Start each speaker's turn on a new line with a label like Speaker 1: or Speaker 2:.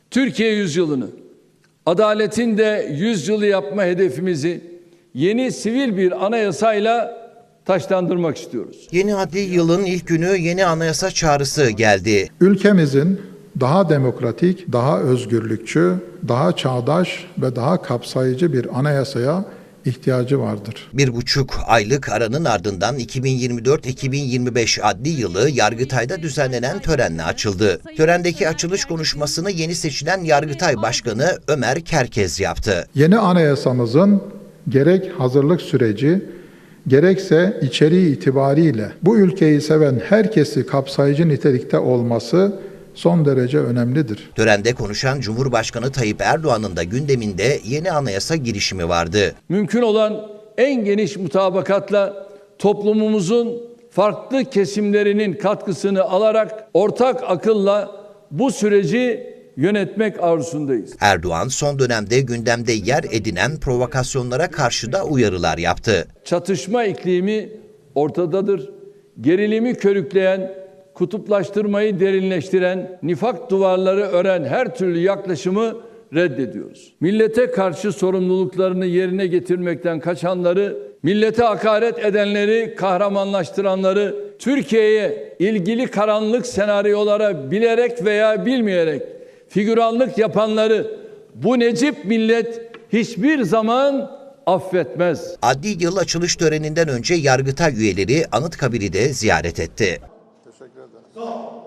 Speaker 1: Türkiye yüzyılını, adaletin de 100 yılı yapma hedefimizi yeni sivil bir anayasayla taşlandırmak istiyoruz.
Speaker 2: Yeni adli yılın ilk günü yeni anayasa çağrısı geldi.
Speaker 3: Ülkemizin daha demokratik, daha özgürlükçü, daha çağdaş ve daha kapsayıcı bir anayasaya ihtiyacı vardır.
Speaker 2: 1,5 aylık aranın ardından 2024-2025 adli yılı Yargıtay'da düzenlenen törenle açıldı. Törendeki açılış konuşmasını yeni seçilen Yargıtay Başkanı Ömer Kerkez yaptı.
Speaker 3: Yeni anayasamızın gerek hazırlık süreci, gerekse içeriği itibariyle bu ülkeyi seven herkesi kapsayıcı nitelikte olması son derece önemlidir.
Speaker 2: Törende konuşan Cumhurbaşkanı Tayyip Erdoğan'ın da gündeminde yeni anayasa girişimi vardı.
Speaker 1: Mümkün olan en geniş mutabakatla toplumumuzun farklı kesimlerinin katkısını alarak ortak akılla bu süreci yönetmek arzusundayız.
Speaker 2: Erdoğan son dönemde gündemde yer edinen provokasyonlara karşı da uyarılar yaptı.
Speaker 1: Çatışma iklimi ortadadır. Gerilimi körükleyen, kutuplaştırmayı derinleştiren, nifak duvarları ören her türlü yaklaşımı reddediyoruz. Millete karşı sorumluluklarını yerine getirmekten kaçanları, millete hakaret edenleri, kahramanlaştıranları, Türkiye'ye ilgili karanlık senaryolara bilerek veya bilmeyerek figüranlık yapanları bu necip millet hiçbir zaman affetmez.
Speaker 2: Adli yıl açılış töreninden önce Yargıtay üyeleri Anıtkabir'i de ziyaret etti.
Speaker 3: Teşekkür ederim.